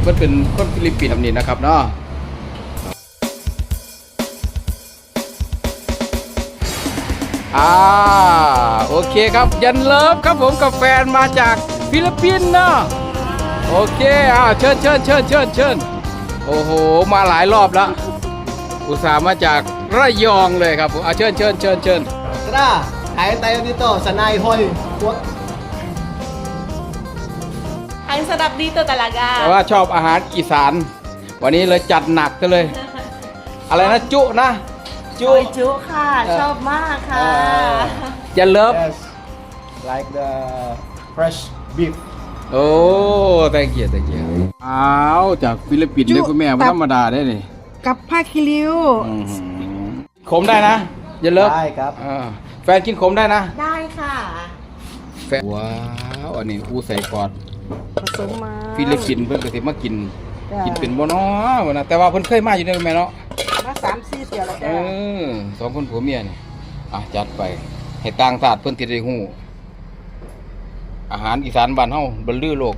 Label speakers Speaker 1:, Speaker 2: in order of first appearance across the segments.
Speaker 1: พิ่นเป็นคนฟิลิปปินส์แบบนี้นะครับเนาะโอเคครับยันเลิฟครับผมกับแฟนมาจากฟิลิปปินส์เนาะโอเคเชิญโอ้โหมาหลายรอบแล้วอุตส่าห์มาจากระยองเลยครับผมเชิญ
Speaker 2: Tara, kain tayo dito sa Nai Hall.
Speaker 3: Ang sarap dito
Speaker 1: แต่
Speaker 3: talaga.
Speaker 1: ว่าชอบอาหารอีสานวันนี้เลยจัดหนักกันเลย อะไรนะจุนะ
Speaker 3: โอยจุค่ะ ชอบมากค่ะ
Speaker 1: ยันเลิฟ
Speaker 2: Yes, like the fresh beef.
Speaker 1: โอ้ thank you อ้าวจากฟิลิปปินส์เลยคุณแม่ไม่ธรรมดาได้นี่
Speaker 4: กับผ้าคีริ้ว
Speaker 1: ขมได้นะยันเลิฟ
Speaker 2: ได้ครับ
Speaker 1: แฟนกินขมได้นะ
Speaker 3: ได้ค่ะ
Speaker 1: แฟนว้าวอันนี้อู้ใส่กอด
Speaker 4: ผสมมา
Speaker 1: ฟิลิปปินส์เพิ่นก็สิมากิน
Speaker 4: จ้ะ
Speaker 1: กินเป็นบ่เนาะวะนะแต่ว่าเพิ่นเคยมาอยู่ในแม่เนาะ
Speaker 4: มา3-4เที่ยวแล้ว
Speaker 1: เอ
Speaker 4: จ้ะ
Speaker 1: สองคนผัวเมียนี่จัดไปให้ต่างชาติเพิ่นสิได้ฮู้อาหารอีสานบ้านเฮาบรรลือโลก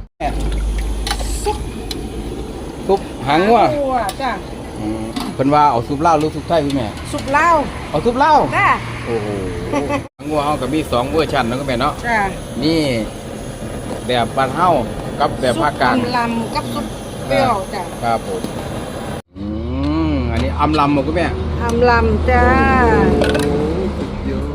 Speaker 1: ซุปหางงัว
Speaker 4: จ้ะ
Speaker 1: เพิ่นว่าเอาซุปลาวหรือซุปไทยพี่แม่
Speaker 4: สุกเหล้า
Speaker 1: เอาซุปลาว
Speaker 4: จ้ะ
Speaker 1: โอ้โหหางงัวเฮาก็มี2เวอร์ชันเนาะคุณแม่เนาะ
Speaker 4: จ้ะ
Speaker 1: นี่แบบบ้านเฮากับแบบภาคกลาง
Speaker 4: ซุปลำกับซุปเปรี้ยวจ้ะ
Speaker 1: ครับผมอันนี้อำลำบ่คุณแม่
Speaker 4: อำลำจ้า
Speaker 1: เยอะ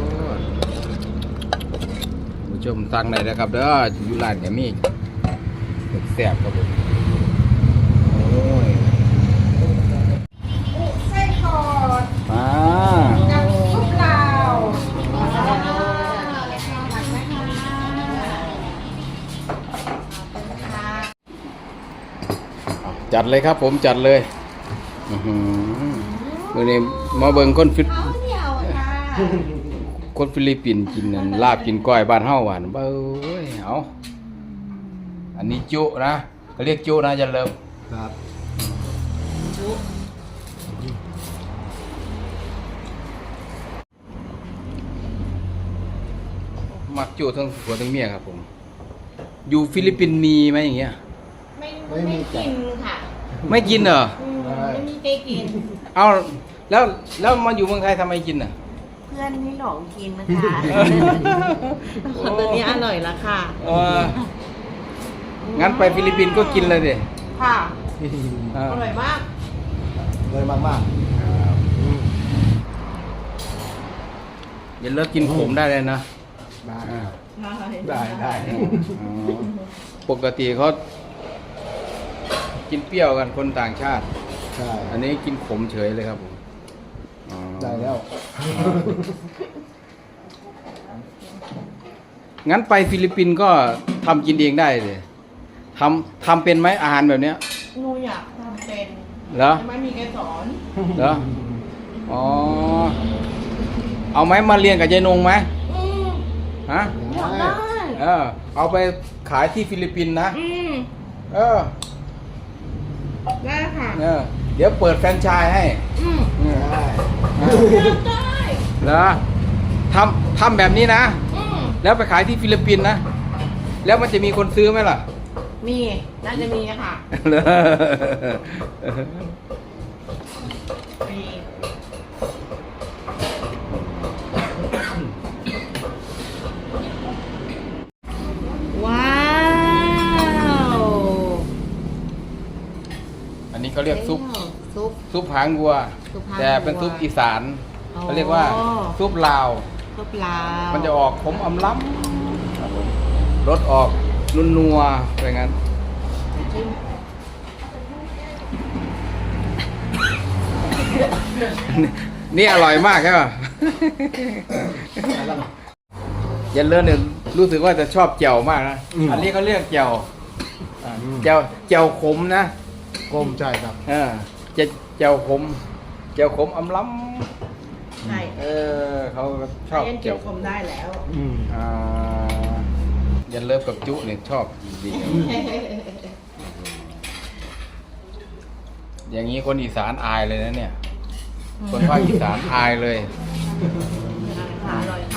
Speaker 1: ผู้ชมสั่งได้นะครับเด้ออยู่ร้านก็มีแซ่บครับผมโอ้ย
Speaker 4: ไส้ทอด
Speaker 1: มา
Speaker 4: กับซุปลาว
Speaker 1: จัดเลยครับผมจัดเลยมื้อนี้มาเบิ่งคนฟิลิปปินส์กินนั่นลาบกินก้อยบ้านเฮาหวานเบ้ยเอาอันนี้จุนะเขาเรียกจุนะจะเริ่ม
Speaker 2: ครับ
Speaker 1: มักจุทั้งผัวทั้งเมียครับผมอยู่ฟิลิปปินส์มีไหมอย่างเงี้ย
Speaker 3: ไม่กินค่ะ
Speaker 1: ไม่กินเหรอ
Speaker 3: ไม่มีใครกิน
Speaker 1: เอาแล้วมาอยู่เมืองไทยทำไมกินอ่ะ
Speaker 3: เพื่อนให้หลองกินนะคะตัวนี้อร่อยละค่ะ
Speaker 1: งั้นไปฟิลิปปินส์ก็กินเลยดิ
Speaker 3: ค่ะ
Speaker 1: เออ
Speaker 3: อร่อยมาก
Speaker 2: เลยมาก
Speaker 1: อย่าเลิกกินขมได้เลยนะ
Speaker 2: ๆได้
Speaker 1: อ่า
Speaker 2: ได้
Speaker 1: อ๋อปกติเขากินเปรี้ยวกันคนต่างชาติ
Speaker 2: ใช่
Speaker 1: อันนี้กินขมเฉยเลยครับผมอ๋อ
Speaker 2: ได้แล้ว
Speaker 1: งั้นไปฟิลิปปินส์ก็ทำกินเองได้เลยทำเป็นไหมอาหารแบบเนี้ย
Speaker 3: หนูอยากทำเป็น
Speaker 1: เหรอ
Speaker 3: แต่ไม่มีใครสอน
Speaker 1: เหรออ๋อเอาไหมมาเรียนกับยายนงไหมฮะ
Speaker 3: อยากได้
Speaker 1: เอาไปขายที่ฟิลิปปินส์นะเออ
Speaker 3: ได้ค่ะ
Speaker 1: เดี๋ยวเปิดแฟรนไชส์ให้
Speaker 2: ได้
Speaker 3: ได้
Speaker 1: แล้วทำแบบนี้นะ แล้วไปขายที่ฟิลิปปินส์นะ แล้วมันจะมีคนซื้อไหมล่ะ
Speaker 3: มีน่าจะมีค่ะ
Speaker 1: เหรอ
Speaker 3: มีว้าว
Speaker 1: อันนี้เขาเรียกซุป
Speaker 3: ซุป
Speaker 1: ซุปหางวัว
Speaker 3: ซุปหางวัว
Speaker 1: แต่เป็นซุปอีสาน
Speaker 3: อ๋อ
Speaker 1: เขาเรียกว่าซุปลาว
Speaker 3: ซุปลาว
Speaker 1: มันจะออกขมอำล้ำรสออกนัวๆอะไรงั้น นี่อร่อยมากใช่ป่ะ ยันเลิศเนี่ยรู้สึกว่าจะชอบแจ่วมากนะ อันนี้เขาเรียกแจ่วแจ่วขมนะ
Speaker 2: กลมใช่ครับ
Speaker 1: แจ่วขมอำล้ำ
Speaker 3: ใช่
Speaker 1: เขาชอบ
Speaker 3: ยันเกี่ยวคมได้แล้ว
Speaker 1: ยันเลิฟกับจุเนี่ยชอบดีอย่างนี้คนอีสานอายเลยนะเนี่ย คนภาคอีสานอายเลย
Speaker 3: อร่อยค่ะ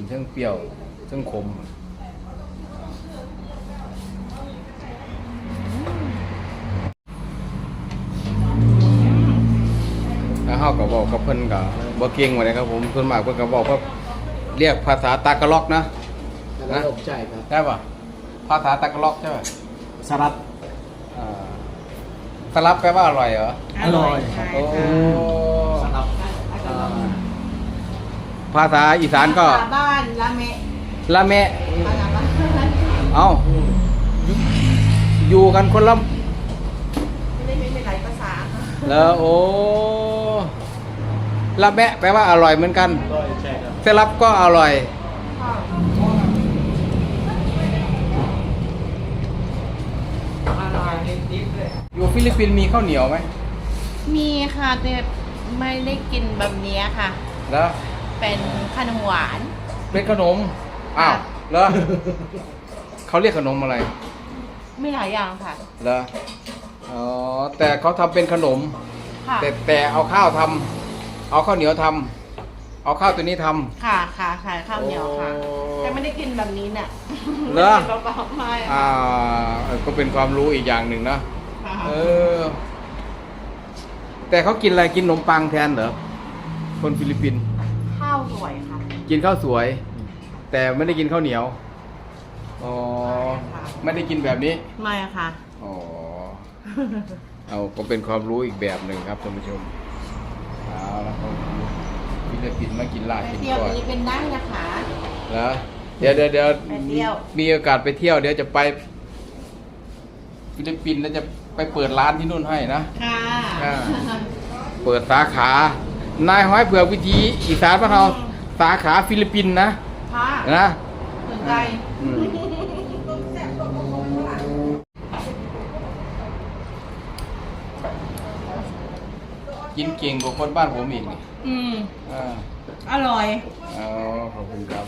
Speaker 1: ทั้งเปรี้ยวทั้งขมแล้วเฮาก็บอกกับเพิ่นก็บ่เก่งว่าไดครับผมส่วนมากเพิ่นก็บอกว่าเรียกภาษาตากะล็อกนะ
Speaker 2: แล้วก็ใช่ครับ
Speaker 1: ใช่ป่ะภาษาตากะล็อกใช่ป่ะ
Speaker 2: สลัด
Speaker 1: อ่าสลับแปลว่าอร่อยเหรอ
Speaker 2: อร่อย
Speaker 3: ใช่
Speaker 1: โอ้
Speaker 3: ค่ะ
Speaker 2: สลัด
Speaker 1: ภาษาอีสานก็
Speaker 3: ภษบ้านละเมะ
Speaker 1: ละแม่
Speaker 3: ภาษาบ้าน
Speaker 1: เอ้าอยู่กันคนละ
Speaker 3: ไม่ได้หลายภาษาค่ะ
Speaker 1: แล้วโอ้ละแม่แปลว่าอร่อยเหมือนกัน
Speaker 2: อร่อยใช่ครับ
Speaker 1: สลับก็อร่อย
Speaker 3: ค่ะอร่อย
Speaker 1: อยู่ฟิลิปปินส์มีข้าวเหนียวไหม
Speaker 3: มีค่ะแต่ไม่ได้กินแบบนี้ค่ะ
Speaker 1: แล้ว
Speaker 3: เป็นขนมหวาน
Speaker 1: เป็นขนมอ้าวแล้ว เขาเรียกขนมอะไร
Speaker 3: ไม่หลายอย่างค่ะ
Speaker 1: แล้วอ๋อแต่เขาทำเป็นขนม
Speaker 3: ค่ะ
Speaker 1: แต่เอาข้าวทำเอาข้าวเหนียวทำเอาข้าวตัวนี้ทำ
Speaker 3: ค่ะค่ะขายข้าวเหนียวค่ะ
Speaker 1: โอ้
Speaker 3: แต่ไม่ได้กินแบบนี้เนี่ย
Speaker 1: เหรอ
Speaker 3: ไม่ได้กินเปล่าๆไม่
Speaker 1: ก็เป็นความรู้อีกอย่างหนึ่งนะ
Speaker 3: ค่ะ
Speaker 1: เออ แต่เขากินอะไรกินขนมปังแทนเหรอคนฟิลิปปินส์
Speaker 3: ข้าวสวยค่ะ
Speaker 1: กินข้าวสวย แต่ไม่ได้กินข้าวเหนียวอ๋อ
Speaker 3: ใช่ค่ะ
Speaker 1: ไม่ได้กินแบบนี้
Speaker 3: ไม่ค่ะ
Speaker 1: อ๋อเอาก็เป็นความรู้อีกแบบหนึ่งครับท่านผู้ชมเอาละครับฟิลิปปินส์มากินลาบ
Speaker 3: ไป
Speaker 1: กิน
Speaker 3: เที่ยว
Speaker 1: ก้อย
Speaker 3: นี้เป็นนั่งนะคะ
Speaker 1: นะเดี๋ยว
Speaker 3: ไปเที่ยว
Speaker 1: มีโอกาสไปเที่ยวเดี๋ยวจะไปฟิลิปปินส์แล้วจะไปเปิดร้านที่นู่นให้นะ
Speaker 3: ค่ะ
Speaker 1: อ่า เปิดสาขา นายห้อยเผือกวิธีอีสานบ้านเราสาขาฟิลิปปินส์นะ
Speaker 3: ค่ะ
Speaker 1: นะ
Speaker 3: สนใจ
Speaker 1: อืมกินเก่งกว่าคนบ้านผมอีกนี่
Speaker 3: อืม
Speaker 1: อ่า
Speaker 3: อร่อย
Speaker 1: เอาขอบคุณครับ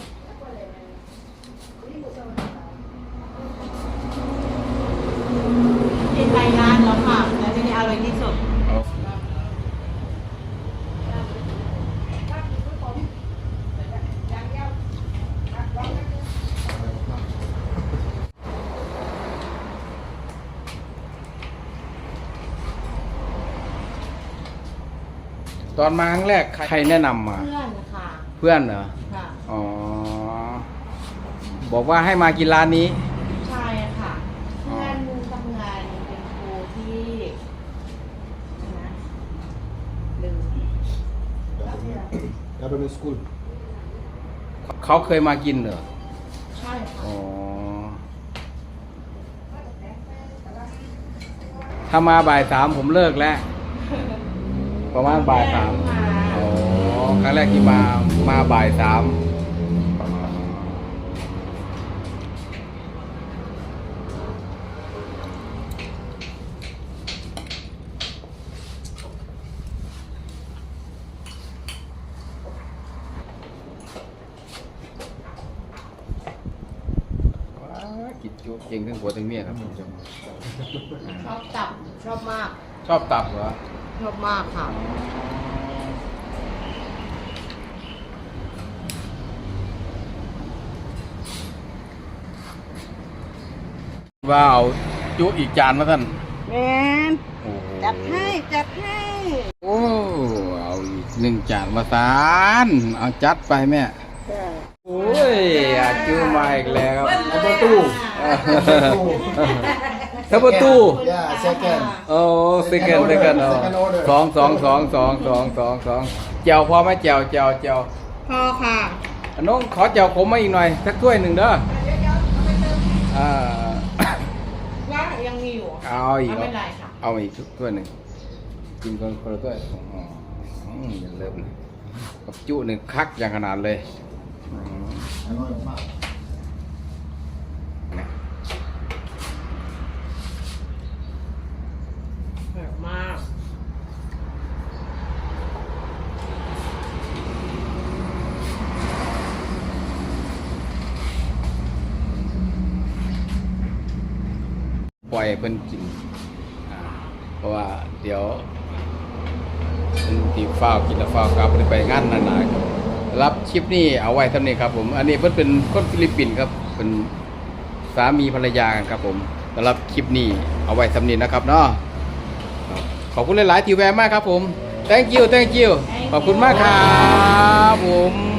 Speaker 3: กินไปร้านแล้วค่ะแล้วที่นี่อร่อยที่สุด
Speaker 1: เอาตอนมาครั้งแรกใครแนะนำมา
Speaker 3: เพื่อนค่ะ
Speaker 1: เพื่อนเหรอ
Speaker 3: ค่ะ
Speaker 1: อ๋อ บอกว่าให้มากินร้านนี้
Speaker 3: ใช่ค่ะ
Speaker 1: อ๋อ
Speaker 3: เพื่อนทำงานเป็นครูที่นะลืม
Speaker 2: Government School
Speaker 1: เขาเคยมากินเหรอ
Speaker 3: ใช่ค่ะ
Speaker 1: อ๋อ ถ้ามาบ่ายสามผมเลิกแล้ว ประมาณบ่ายสามอ๋อ ครั้งแรกที่มาบ่ายสามกินจุเก่งทั้งผัวทั้งเมียครับคุณผู้ชม
Speaker 3: ชอบตับชอบมาก
Speaker 1: ชอบตับเหรอ
Speaker 3: ชอบมากค่ะ
Speaker 1: ว้าวจุอีกจานมาท่าน
Speaker 4: แมน
Speaker 1: โอ้โห
Speaker 4: จัดให้จัดให้
Speaker 1: โอ้เอาอีกหนึ่งจานมาสานเอาจัดไปแม่ โอ้ยอาจูมาอีกแล้ว
Speaker 2: Number 2
Speaker 1: ทับประตู
Speaker 2: Yeah second
Speaker 1: โอ้สิกันสิกัน
Speaker 2: Second order
Speaker 1: สองแจวพอไหมแจว
Speaker 3: พอค่ะ
Speaker 1: น้องขอแจวขมมาอีกหน่อยสักถ้วยหนึ่งเด้ออ่า
Speaker 3: ว่ายังมีอยู่
Speaker 1: เอาอีก
Speaker 3: ไม่เป็นไรค่ะ
Speaker 1: เอาอีกถ้วยหนึ่งกินคนละถ้วยอ๋ออย่าเริ่มนะกับจุหนึ่งคักอย่างขนาดเลยอืม
Speaker 2: อร่อยมาก
Speaker 1: นะ
Speaker 3: อร่อยมาก
Speaker 1: ปล่อยให้เพิ่นกินเพราะว่าเดี๋ยวเพิ่นตีฟ้าวกินแล้วฟ้าวกลับไปงานนานๆรับคลิปนี้เอาไว้เท่านี้ครับผมอันนี้เพิ่นเป็นคนฟิลิปปินส์ครับเป็นสามีภรรยากันครับผมสำหรับคลิปนี้เอาไว้เท่านี้นะครับเนาะครับขอบคุณหลายๆที่แวะมากครับผม thank you ขอบคุณมากครับผม